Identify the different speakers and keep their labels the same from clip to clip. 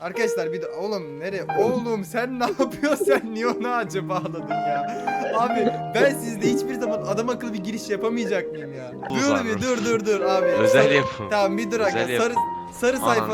Speaker 1: Arkadaşlar bir de oğlum nereye? Oğlum sen ne yapıyorsun? Sen niye onu ağaca bağladın ya? Abi ben sizde hiçbir zaman adam akıllı bir giriş yapamayacak mıyım ya? Dur bir dur abi.
Speaker 2: Özel yapım.
Speaker 1: Tamam bir dur
Speaker 2: Özel
Speaker 1: aga.
Speaker 2: yapım.
Speaker 1: Sarı sayfa.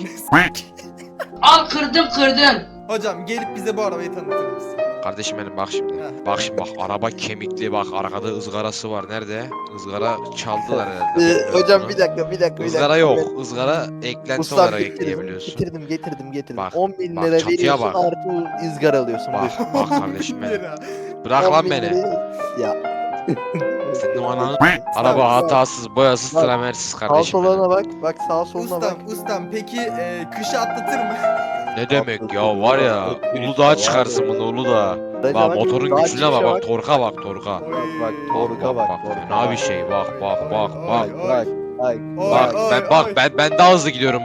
Speaker 3: Al kırdım.
Speaker 1: Hocam gelip bize bu arabayı tanıtır mısın?
Speaker 2: Kardeşim benim bak şimdi.
Speaker 1: Heh.
Speaker 2: Bak şimdi bak araba kemikli bak arkada ızgarası var. Nerede? Izgara çaldılar herhalde.
Speaker 4: Hocam bir dakika.
Speaker 2: Izgara yok. Izgara eklenti
Speaker 4: Ustam
Speaker 2: olarak
Speaker 4: getirdim,
Speaker 2: ekleyebiliyorsun.
Speaker 4: getirdim.
Speaker 2: Bak,
Speaker 4: 10.000
Speaker 2: bak,
Speaker 4: lira
Speaker 2: çatıya
Speaker 4: veriyorsun
Speaker 2: bak.
Speaker 4: artı ızgara alıyorsun.
Speaker 2: Bak kardeşim benim.
Speaker 1: Lira.
Speaker 2: Bırak lan
Speaker 4: 10.000
Speaker 2: beni.
Speaker 4: lirayı- Ya.
Speaker 2: Senin ananı araba hatasız, boyasız,
Speaker 4: Bak.
Speaker 2: tramersiz
Speaker 4: Sağ
Speaker 2: kardeşim benim.
Speaker 4: soluna bak. Bak sağ soluna bak.
Speaker 1: Ustam peki kışı atlatır mı?
Speaker 2: Ne demek ya var ya Uludağ'a çıkarsın bunu Uludağ'a.
Speaker 4: Hadi
Speaker 2: Bak
Speaker 4: bak,
Speaker 2: motorun
Speaker 4: daha
Speaker 2: gücüne bak
Speaker 4: çıkışa
Speaker 2: bak torka bak torka.
Speaker 4: Bak torka bak.
Speaker 2: Fena bir şey bak bak bak bak.
Speaker 1: Oy.
Speaker 2: Bak ben daha hızlı gidiyorum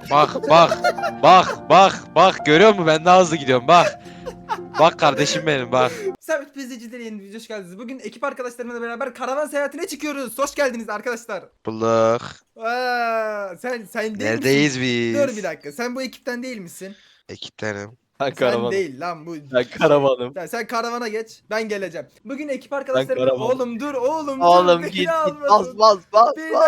Speaker 2: bak görüyor musun ben daha hızlı gidiyorum bak. Bak kardeşim benim bak.
Speaker 1: Sabit Pizzacı'da yeni bir video hoş geldiniz. Bugün ekip arkadaşlarımla beraber karavan seyahatine çıkıyoruz. Hoş geldiniz arkadaşlar.
Speaker 2: Bulduk.
Speaker 1: Sen değil
Speaker 2: Neredeyiz
Speaker 1: misin?
Speaker 2: biz?
Speaker 1: Dur bir dakika. Sen bu ekipten değil misin?
Speaker 2: Ekiptenim.
Speaker 4: Ben
Speaker 1: Sen
Speaker 4: karavanım.
Speaker 1: değil lan bu.
Speaker 4: Ben karavanım.
Speaker 1: Sen karavana geç. Ben geleceğim. Bugün ekip arkadaşlarımla
Speaker 4: karavanım.
Speaker 1: oğlum dur oğlum.
Speaker 4: Oğlum
Speaker 1: dur,
Speaker 4: git
Speaker 1: beni
Speaker 4: git
Speaker 1: almadın.
Speaker 4: bas.
Speaker 1: Beni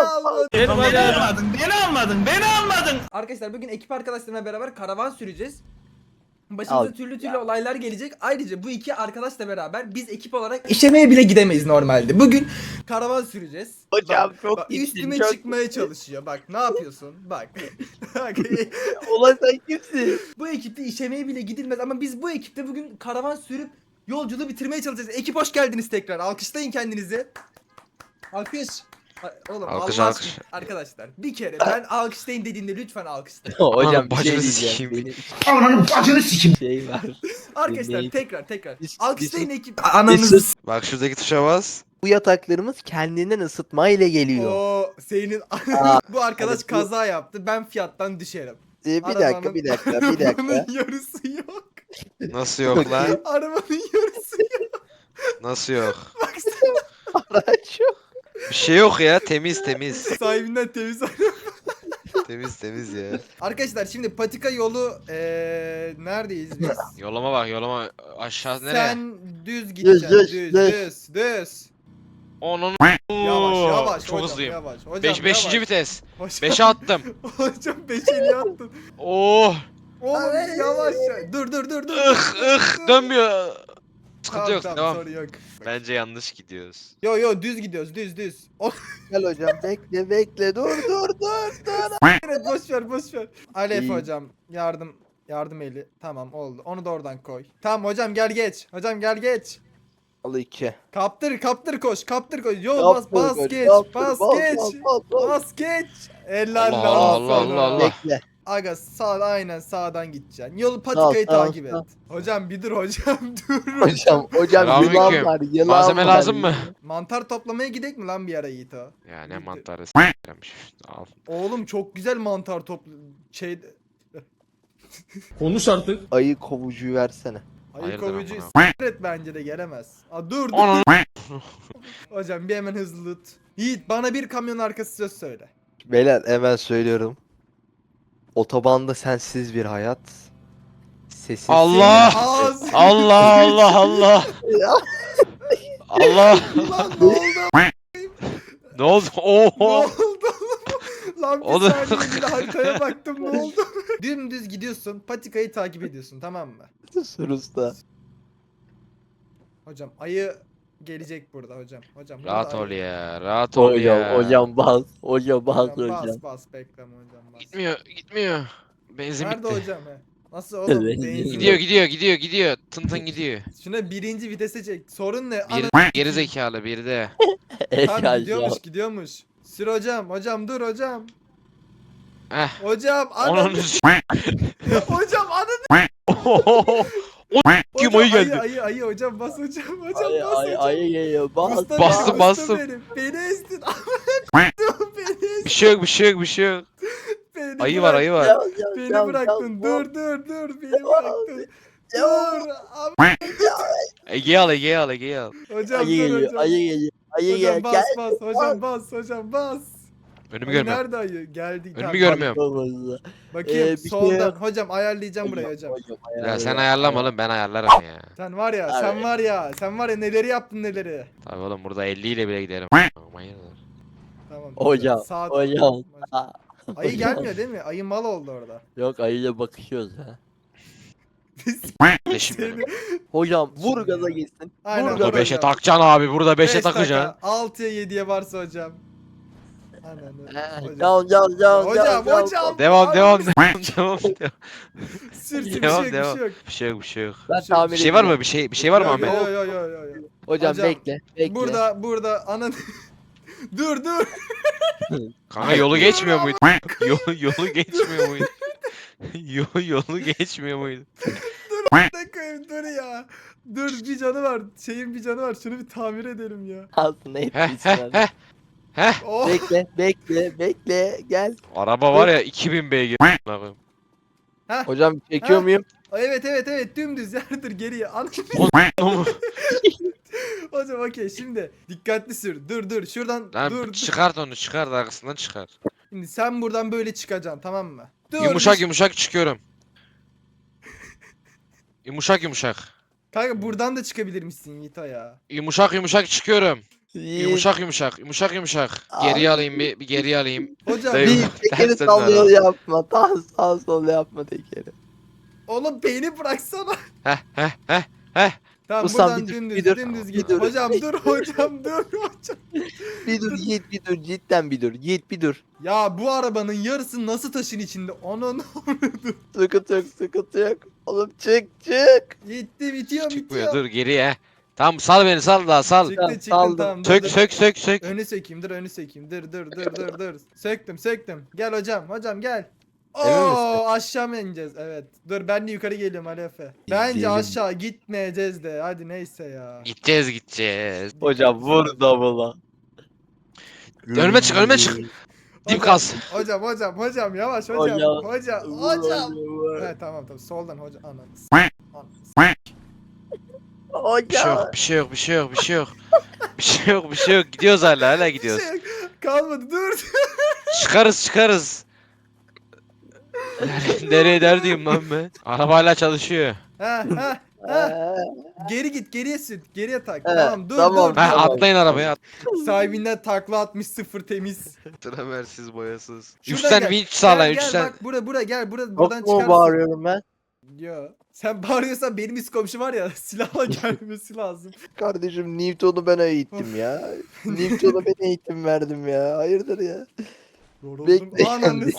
Speaker 1: almadın. Arkadaşlar bugün ekip arkadaşlarımla beraber karavan süreceğiz. Başımıza
Speaker 4: Al.
Speaker 1: türlü olaylar gelecek. Ayrıca bu iki arkadaşla beraber biz ekip olarak işemeye bile gidemeyiz normalde. Bugün karavan süreceğiz.
Speaker 4: Hocam
Speaker 1: Bak,
Speaker 4: çok
Speaker 1: bak,
Speaker 4: gittin,
Speaker 1: üstüme
Speaker 4: çok
Speaker 1: çıkmaya çalışıyor. Bak ne yapıyorsun? Bak. Bak,
Speaker 4: Ulan sen kimsin?
Speaker 1: bu ekipte işemeye bile gidilmez ama biz bu ekipte bugün karavan sürüp yolculuğu bitirmeye çalışacağız. Ekip hoş geldiniz tekrar. Alkışlayın kendinizi. Alkış. Oğlum
Speaker 2: Alkış,
Speaker 1: Allah
Speaker 2: alkış.
Speaker 1: aşkına. Arkadaşlar bir kere ben alkışlayın dediğimde lütfen alkışlayın.
Speaker 4: Hocam
Speaker 2: Ananın
Speaker 4: bir şey
Speaker 2: bacını
Speaker 4: diyeceğim.
Speaker 2: sikeyim.
Speaker 4: Benim
Speaker 1: Ananın bacını
Speaker 4: sikeyim. Şey var.
Speaker 1: Arkadaşlar
Speaker 4: Dinleyin.
Speaker 1: tekrar.
Speaker 4: Biz-
Speaker 1: Alkışlayın
Speaker 4: biz-
Speaker 1: ekip. Ananızı s-
Speaker 2: Bak şuradaki tuşa bas.
Speaker 4: Bu yataklarımız kendinden ısıtma ile geliyor.
Speaker 1: O senin
Speaker 4: Aa,
Speaker 1: bu arkadaş
Speaker 4: hadi bu-
Speaker 1: kaza yaptı. Ben fiyattan düşerim.
Speaker 4: Bir dakika.
Speaker 1: Arabanın yarısı yok.
Speaker 2: Nasıl yok lan?
Speaker 1: Arabanın yarısı yok.
Speaker 2: Nasıl yok?
Speaker 1: Baksana
Speaker 4: Araç yok.
Speaker 2: Bir şey yok ya temiz.
Speaker 1: sahibinden temiz
Speaker 2: Temiz ya.
Speaker 1: Arkadaşlar şimdi patika yolu neredeyiz biz?
Speaker 2: Yoluma bak yoluma aşağı nereye?
Speaker 1: Sen düz gideceksin. Düz.
Speaker 2: Onun
Speaker 1: Yavaş
Speaker 2: çok
Speaker 1: hocam,
Speaker 2: hızlıyım.
Speaker 1: yavaş. Hocam,
Speaker 2: 5.
Speaker 1: yavaş.
Speaker 2: vites.
Speaker 1: Hocam-
Speaker 2: 5'e attım.
Speaker 1: Hocam 5'e niye attın?
Speaker 2: Oh!
Speaker 1: Oğlum yavaş. Dur.
Speaker 2: Dönmüyor. Sıkıntı yok
Speaker 1: Tamam,
Speaker 2: devam.
Speaker 1: sorun yok.
Speaker 2: Bence yanlış gidiyoruz.
Speaker 1: Yo düz gidiyoruz düz.
Speaker 4: Gel hocam bekle. Dur.
Speaker 1: Evet boş ver. Alef
Speaker 4: İyi.
Speaker 1: hocam yardım eli. Tamam oldu. Onu da oradan koy. Tamam hocam gel geç. Hocam gel geç.
Speaker 4: Al 2.
Speaker 1: Kaptır koş. Yo bas geç. Bas geç. Helal
Speaker 2: Allah,
Speaker 1: lan
Speaker 2: Allah,
Speaker 1: sana.
Speaker 2: Allah.
Speaker 4: Bekle.
Speaker 1: Aga aynen sağdan gideceksin. Yolu patikayı
Speaker 4: Sağ,
Speaker 1: takip et.
Speaker 4: sağ.
Speaker 1: Hocam bir dur hocam dur.
Speaker 4: Hocam
Speaker 2: Selamünaleyküm.
Speaker 4: yılan
Speaker 2: Malzeme
Speaker 4: var.
Speaker 2: lazım mı?
Speaker 1: Mantar toplamaya gidek mi lan bir ara Yiğit o?
Speaker 2: Ya ne
Speaker 1: Gitti.
Speaker 2: mantarı s**miş. Al.
Speaker 1: Oğlum çok güzel mantar topla
Speaker 4: Ayı kovucuyu versene.
Speaker 1: Ayı
Speaker 2: Hayırdır
Speaker 1: kovucuyu
Speaker 2: amına?
Speaker 1: s**t bence de gelemez. Dur.
Speaker 2: Onun
Speaker 1: Hocam bir hemen hızlı tut. Yiğit bana bir kamyon arkası söz söyle.
Speaker 4: Beyler hemen söylüyorum. Otobanda sensiz bir hayat. Sessiz.
Speaker 2: Allah!
Speaker 1: Ağız.
Speaker 2: Allah.
Speaker 4: Ya.
Speaker 2: Allah.
Speaker 1: Lan ne oldu?
Speaker 2: Ne oldu?
Speaker 1: Ne
Speaker 2: Oho.
Speaker 1: oldu? Lan bir
Speaker 2: Oğlum.
Speaker 1: saniye bir de haritaya baktım ne oldu? Dümdüz gidiyorsun patikayı takip ediyorsun tamam mı?
Speaker 4: Sus usta.
Speaker 1: Hocam ayı gelecek burada hocam. Hocam burada
Speaker 2: Rahat
Speaker 1: ayı.
Speaker 2: ol ya. Rahat ol ya.
Speaker 4: Hocam bas. Hocam bas
Speaker 1: Hocam
Speaker 4: hocam.
Speaker 1: bas bekleme hocam bas.
Speaker 2: Gitmiyor. Benzin
Speaker 1: Nerede
Speaker 2: bitti.
Speaker 1: hocam he? Nasıl oğlum?
Speaker 4: Evet,
Speaker 1: Benzin
Speaker 2: Gidiyor. Tın gidiyor.
Speaker 1: Şuna birinci vitese çek. Sorun ne?
Speaker 2: Bir geri zekalı bir de.
Speaker 1: Tamam
Speaker 4: Hocam.
Speaker 1: gidiyormuş. Sür hocam. Hocam dur hocam.
Speaker 2: Eh.
Speaker 1: Hocam
Speaker 2: Onun
Speaker 1: ananı. Hocam ananı.
Speaker 2: Kim
Speaker 1: Hocam,
Speaker 2: ayı geldi.
Speaker 1: Ayı hocam bas hocam. Hocam
Speaker 4: Ay
Speaker 1: bas hocam.
Speaker 4: ay geliyor. Bas.
Speaker 1: Usta
Speaker 2: Bastım,
Speaker 1: benim,
Speaker 2: bastım.
Speaker 1: usta benim. Beni ezdin. Beni ezdin.
Speaker 2: Bir şey yok.
Speaker 1: Beni
Speaker 2: Ayı
Speaker 1: bırak-
Speaker 2: var.
Speaker 1: Beni bıraktın. Dur. Beni bıraktın. Dur. Abi.
Speaker 2: Ege'yi al.
Speaker 1: Hocam
Speaker 4: Ayı
Speaker 1: dur
Speaker 4: geliyor.
Speaker 1: hocam.
Speaker 4: Ayı geliyor. Ayı
Speaker 1: Hocam
Speaker 4: gel.
Speaker 1: bas. Hocam bas.
Speaker 2: Önümü
Speaker 1: Ayı
Speaker 2: görmüyorum.
Speaker 1: nerede ayı? Geldi.
Speaker 2: Önümü
Speaker 1: Tamam,
Speaker 2: görmüyorum.
Speaker 4: Olmaz.
Speaker 1: bakayım
Speaker 4: Bir şey
Speaker 1: soldan.
Speaker 4: yok.
Speaker 1: Hocam ayarlayacağım burayı hocam.
Speaker 2: Ya sen ayarlama oğlum, ben ayarlarım ya.
Speaker 1: Sen var ya,
Speaker 4: Abi.
Speaker 1: sen var ya neleri yaptın neleri.
Speaker 2: Tabii oğlum, burada 50 ile bile giderim. Hayırdır?
Speaker 1: Tamam.
Speaker 4: Hocam,
Speaker 1: Sağ
Speaker 4: hocam.
Speaker 1: Ayı gelmiyor değil mi? Ayı mal oldu orada.
Speaker 4: Yok, ayıyla bakışıyoruz ha.
Speaker 2: Leşim benim.
Speaker 4: Hocam vur
Speaker 1: Şimdi
Speaker 4: gaza
Speaker 1: ya.
Speaker 4: gitsin.
Speaker 1: Aynen,
Speaker 4: Vur
Speaker 1: vur
Speaker 2: Burada
Speaker 4: gaza.
Speaker 2: 5'e
Speaker 1: hocam.
Speaker 2: takacaksın abi, burada 5'e
Speaker 1: Beş dakika,
Speaker 2: takacaksın.
Speaker 1: 6'ya 7'ye varsa hocam. Aynen öyle. Hocam.
Speaker 2: Devam
Speaker 1: Abi,
Speaker 2: devam devam.
Speaker 1: Sürtü bir
Speaker 2: Devam,
Speaker 1: şey yok,
Speaker 2: devam.
Speaker 1: bir şey yok.
Speaker 2: Bir şey yok, bir şey yok.
Speaker 4: Ben
Speaker 1: Bir şey-
Speaker 4: tahmin
Speaker 2: Bir şey var
Speaker 4: ediyorum.
Speaker 2: mı? Bir şey var mı
Speaker 1: Yo,
Speaker 2: Ahmet?
Speaker 1: yo, yo, yo, yo, yo.
Speaker 4: Hocam,
Speaker 1: Hocam,
Speaker 4: bekle.
Speaker 1: Burada anan dur.
Speaker 2: Kanka yolu geçmiyor muydu? Yolu geçmiyor muydu? Yolu geçmiyor muydu?
Speaker 1: Dur ya. Dur, bir canı var. Şeyin bir canı var. Şunu bir tamir edelim ya.
Speaker 4: Altına
Speaker 2: Heh
Speaker 4: etmişsin
Speaker 2: heh
Speaker 4: abi.
Speaker 2: heh. Heh.
Speaker 1: Oh.
Speaker 4: Bekle gel.
Speaker 2: Araba var ya 2000 beygir. Bakayım.
Speaker 4: Hocam çekiyor
Speaker 1: Ha?
Speaker 4: muyum?
Speaker 1: Evet dümdüz yardır geriye.
Speaker 2: Oğlum,
Speaker 1: Hocam okey, şimdi dikkatli sür. Dur şuradan
Speaker 2: Lan
Speaker 1: dur.
Speaker 2: çıkart onu, çıkart, arkasından çıkar.
Speaker 1: Şimdi sen buradan böyle çıkacaksın, tamam mı? Dur.
Speaker 2: Yumuşak çıkıyorum. Yumuşak.
Speaker 1: Kanka buradan da çıkabilirmişsin Yiğito ya.
Speaker 2: Yumuşak çıkıyorum.
Speaker 4: İyi.
Speaker 2: Yumuşak. Geriye alayım bir geriye alayım.
Speaker 1: Hocam
Speaker 2: Dayı-
Speaker 4: Bir tekeri
Speaker 2: Tersten
Speaker 4: sallıyor
Speaker 2: dön.
Speaker 4: yapma. Sağ sol yapma tekeri.
Speaker 1: oğlum beni bıraksana.
Speaker 2: Heh.
Speaker 1: Tamam,
Speaker 4: Ustam,
Speaker 1: buradan
Speaker 4: bir dur,
Speaker 1: dümdüz
Speaker 4: bir dur.
Speaker 1: dümdüz
Speaker 4: Bir
Speaker 1: git.
Speaker 4: dur.
Speaker 1: Hocam dur hocam.
Speaker 4: Bir dur Yiğit bir dur. Cidden bir dur. Yiğit bir dur.
Speaker 1: Ya bu arabanın yarısı nasıl taşın içinde? Onun
Speaker 4: Sıkıntı yok. Oğlum çık.
Speaker 1: gitti, bitiyor.
Speaker 2: Çıkmıyor, dur geriye. Tamam, sal beni, sal daha sal.
Speaker 1: Çıktı
Speaker 4: Saldım.
Speaker 1: tamam.
Speaker 2: Sök
Speaker 1: dur.
Speaker 2: sök.
Speaker 1: Önü sökeyim, önü sökeyim. Dur. Söktüm. Gel hocam gel.
Speaker 4: Emin
Speaker 1: Oo, aşağı mı ineceğiz? Evet. Dur, ben de yukarı geliyorum Ali Efe. Bence
Speaker 4: Gidelim.
Speaker 1: aşağı gitmeyeceğiz de. Hadi neyse ya.
Speaker 2: Gideceğiz.
Speaker 4: Hocam vur double'a.
Speaker 2: Önüme çık. Dip
Speaker 1: Hocam,
Speaker 2: kas.
Speaker 1: Hocam yavaş hocam. Hocam.
Speaker 4: Vur.
Speaker 1: Evet, tamam soldan hocam. Ananı.
Speaker 4: Hocam.
Speaker 2: Bir şey yok. Gidiyoruz hala
Speaker 1: Bir
Speaker 2: gidiyoruz.
Speaker 1: şey yok. Kalmadı, dur.
Speaker 2: Çıkarız. Nereye derdiyim lan ben? Araba hala çalışıyor.
Speaker 1: Ha. Geri git, geriye sür. Geriye tak.
Speaker 4: Evet,
Speaker 1: Tamam, dur.
Speaker 4: tamam.
Speaker 1: dur.
Speaker 2: Ha,
Speaker 4: Tamam.
Speaker 2: atlayın arabaya.
Speaker 1: Sahibinden takla atmış, sıfır temiz.
Speaker 2: Traversiz boyasız.
Speaker 1: Şuradan
Speaker 2: Üstten
Speaker 1: gel.
Speaker 2: vinç sağla,
Speaker 1: Gel,
Speaker 2: üstten.
Speaker 1: bak buradan gel. Buradan
Speaker 4: Çok mu
Speaker 1: çıkarsın.
Speaker 4: bağırıyorum ben?
Speaker 1: Yo. Sen bağırıyorsan benim üst komşu var ya, silahla gelmesi lazım.
Speaker 4: Kardeşim Newton'u ben eğittim ya. Newton'a ben eğitim verdim ya. Hayırdır ya. Bekle.
Speaker 1: Ananı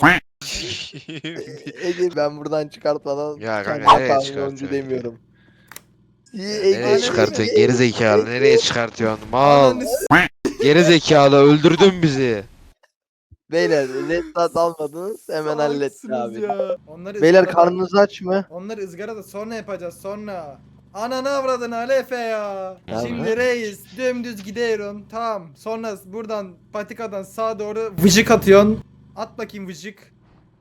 Speaker 4: Ege ben buradan çıkartmadan
Speaker 2: Ya kanka,
Speaker 4: kendime
Speaker 2: nereye
Speaker 4: kamyoncu
Speaker 2: çıkartıyorsun
Speaker 4: demiyorum.
Speaker 2: Nereye
Speaker 1: Ege-
Speaker 2: çıkartıyorsun? Geri zekalı. Nereye çıkartıyorsun? Mal.
Speaker 1: Ananı
Speaker 2: Geri zekalı, öldürdün bizi.
Speaker 4: Beyler reddat almadınız hemen halletti
Speaker 1: salaksınız
Speaker 4: abi.
Speaker 1: ya. Onları
Speaker 4: Beyler
Speaker 1: ızgarada-
Speaker 4: karnınız aç mı?
Speaker 1: Onları ızgarada sonra yapacağız, sonra. Ananı avradın Ali Efe ya.
Speaker 4: Ya
Speaker 1: Şimdi
Speaker 4: bırak.
Speaker 1: reis dümdüz gidiyorum. Tamam. Sonra buradan patikadan sağa doğru vıcık atıyorsun. At bakayım vıcık.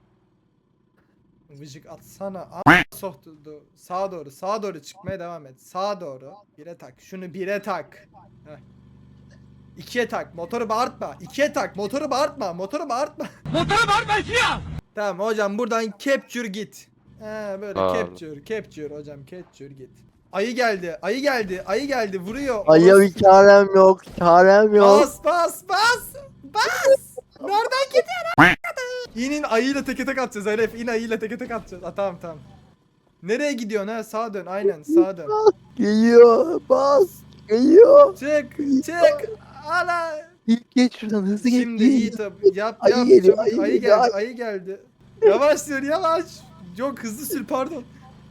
Speaker 1: Vıcık atsana. Soktu. Sağa doğru çıkmaya devam et. Sağa doğru. Bire tak. Şunu bire tak. Heh. İkiye tak. Motoru bağırtma. İkiye tak. Motoru bağırtma. Motoru bağırtma ya. Tamam hocam, buradan capture git. He böyle
Speaker 2: Pardon.
Speaker 1: capture hocam, capture git. Ayı geldi vuruyor.
Speaker 4: Ayya
Speaker 1: Orası-
Speaker 4: bir çarem yok.
Speaker 1: Bas. Nereden gidiyor? İnin, ayıyla teke tek atacağız Elif. İn, ayıyla teke tek atacağız. Tamam. Nereye gidiyorsun ha? Sağa dön, aynen sağa dön.
Speaker 4: Geliyor. Bas. Geliyor.
Speaker 1: Çık. Ana.
Speaker 4: Geç şuradan hızlı geç.
Speaker 1: Şimdi iyi tabi. Yap.
Speaker 4: Ayı geliyor,
Speaker 1: Çabuk.
Speaker 4: ayı geliyor.
Speaker 1: Ayı geldi. Yavaş sür, yavaş. Çok hızlı sür, pardon.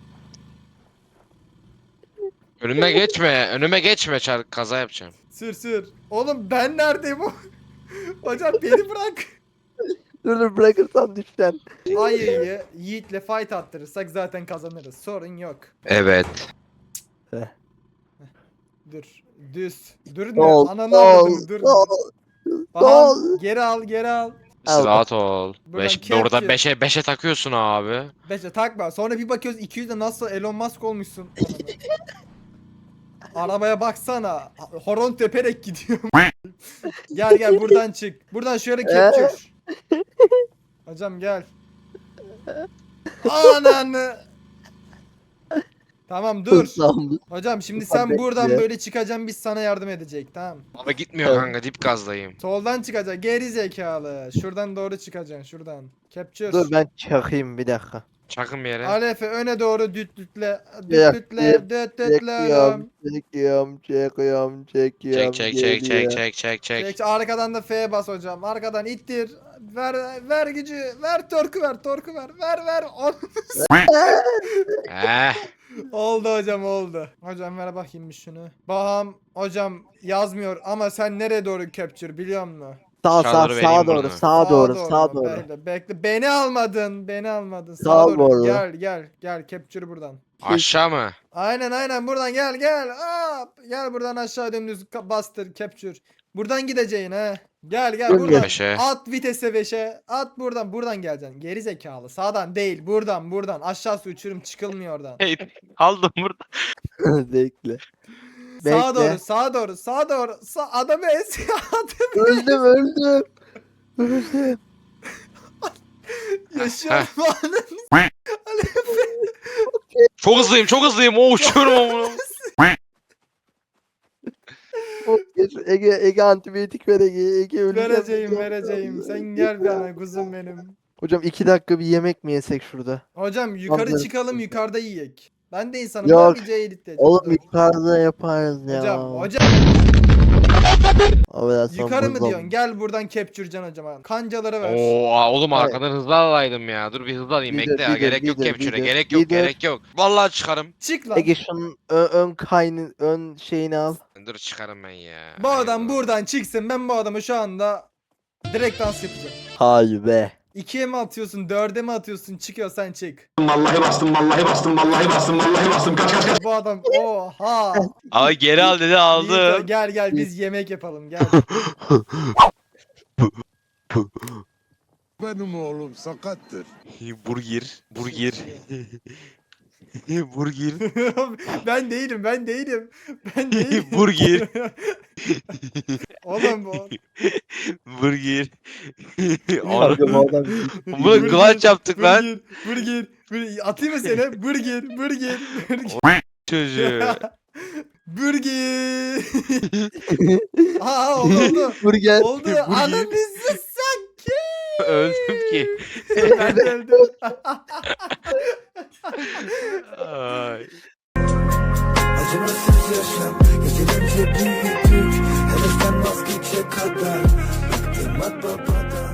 Speaker 2: Önüme geçme, kaza yapacağım.
Speaker 1: Sür. Oğlum ben neredeyim o? Hocam beni bırak.
Speaker 4: Dur bırakırsan düşsen.
Speaker 1: Ayıyı Yiğit'le fight attırırsak zaten kazanırız. Sorun yok.
Speaker 2: Evet.
Speaker 1: Dur. Düz. Dur ne?
Speaker 4: Sol.
Speaker 1: Ananı avradını, dur.
Speaker 4: Sol.
Speaker 1: Aha,
Speaker 4: sol.
Speaker 1: geri al.
Speaker 4: Al.
Speaker 2: Rahat ol.
Speaker 1: Buradan
Speaker 2: Orada
Speaker 1: capture.
Speaker 2: 5'e takıyorsun abi.
Speaker 1: arabaya baksana. Horon teperek gidiyor. Gel gel buradan çık. Buradan şöyle kepçür. Hocam gel. Ananı. Tamam dur.
Speaker 4: Hızlandı.
Speaker 1: Hocam şimdi
Speaker 4: Hadi
Speaker 1: sen buradan
Speaker 4: ya.
Speaker 1: böyle çıkacaksın biz sana yardım edecek tamam.
Speaker 2: Baba gitmiyor
Speaker 4: Evet.
Speaker 2: kanka dip gazdayım.
Speaker 1: Soldan çıkacak geri zekalı. Şuradan doğru çıkacaksın şuradan. Capture.
Speaker 4: Dur ben çakayım bir dakika.
Speaker 2: Çakın bir yere.
Speaker 1: Alefe öne doğru dütlütle.
Speaker 4: Ya,
Speaker 1: Dütlütle. Dütlütle oğlum.
Speaker 4: Çekiyorum.
Speaker 2: Çek çek çek çek
Speaker 4: geliyor.
Speaker 2: çek çek çek.
Speaker 1: Çek, arkadan da F'ye bas hocam. Arkadan ittir. Ver gücü. Ver torku ver. Torku ver. Ver.
Speaker 2: Eh.
Speaker 1: Oldu hocam oldu. Hocam ver bakayım bir şunu. Baham hocam yazmıyor ama sen nereye doğru capture biliyor musun?
Speaker 2: Aşağıları vereyim bunu.
Speaker 4: Sağa doğru.
Speaker 1: mu? Bekle. Beni almadın. Sağa
Speaker 4: Sağa
Speaker 1: doğru.
Speaker 4: doğru.
Speaker 1: Gel capture buradan.
Speaker 2: Aşağı mı?
Speaker 1: Aynen buradan gel. Hop. Gel buradan aşağı dümdüz bastır capture. Buradan gideceğin ha. Gel
Speaker 4: Dön
Speaker 1: buradan.
Speaker 2: beşe.
Speaker 1: At vitese 5'e. At buradan geleceksin. Geri zekalı. Sağdan değil buradan. Aşağısı uçurum çıkılmıyor oradan.
Speaker 2: Hey, aldım burada.
Speaker 4: Bekle.
Speaker 1: Sağa
Speaker 4: Bekle.
Speaker 1: doğru. Adamı es.
Speaker 4: Öldüm.
Speaker 1: Yaşıyorum ananı.
Speaker 2: Çok hızlıyım. O uçuyorum onu.
Speaker 4: Ege antibiyotik ver Ege öleceğim.
Speaker 1: Vereceğim. Sen gel bana kuzum benim.
Speaker 4: Hocam 2 dakika bir yemek mi yesek şurada?
Speaker 1: Hocam yukarı
Speaker 4: Anladım.
Speaker 1: çıkalım yukarıda yiyek. Ben de insanım.
Speaker 4: Yok.
Speaker 1: Ben bir C'yi
Speaker 4: Oğlum yukarıda yaparız ya.
Speaker 1: Hocam
Speaker 4: Affedersin,
Speaker 1: yukarı mı
Speaker 4: buzdan.
Speaker 1: diyorsun? Gel buradan capture'can hocam. Kancaları ver.
Speaker 2: Oo oğlum
Speaker 4: Evet.
Speaker 2: arkadan hızlı alaydım ya. Dur bir hızlı alayım.
Speaker 4: Lider,
Speaker 2: Bekle ya.
Speaker 4: lider,
Speaker 2: Gerek yok
Speaker 4: lider,
Speaker 2: capture'e.
Speaker 4: lider,
Speaker 2: Gerek yok. Vallahi çıkarım.
Speaker 1: Çık lan.
Speaker 4: Ege şunun ön şeyini al.
Speaker 2: Dur çıkarım ben ya.
Speaker 1: Bu adam
Speaker 2: Eyvah.
Speaker 1: buradan çıksın. Ben bu adamı şu anda direkt dans yapacağım.
Speaker 4: Hayır be.
Speaker 1: 2'ye mi atıyorsun? 4'e mi atıyorsun? Çıkıyorsan çık.
Speaker 3: Vallahi bastım. Kaç.
Speaker 1: Bu adam oha.
Speaker 2: Ay geri al dedi
Speaker 1: Yiğit,
Speaker 2: aldım.
Speaker 1: gel biz yemek yapalım gel.
Speaker 5: Benim oğlum sakattır.
Speaker 2: Burger. Burger.
Speaker 1: ben değilim.
Speaker 2: Burger.
Speaker 1: Oğlum bu.
Speaker 2: Burger.
Speaker 4: Kanka bu adam
Speaker 2: Bunu clutch yaptık lan.
Speaker 1: Burger. Atayım mı seni? Burger.
Speaker 2: Çocuğu.
Speaker 1: Burger. Oldu.
Speaker 4: burger.
Speaker 1: Oldu. Ananı sanki.
Speaker 2: Öldüm ki.
Speaker 1: Ben de öldüm.
Speaker 2: Ay.
Speaker 6: Acımasız yaşam gecelerce büyüdük. Heveslen vazgeçe kadar. Bıktım at babadan.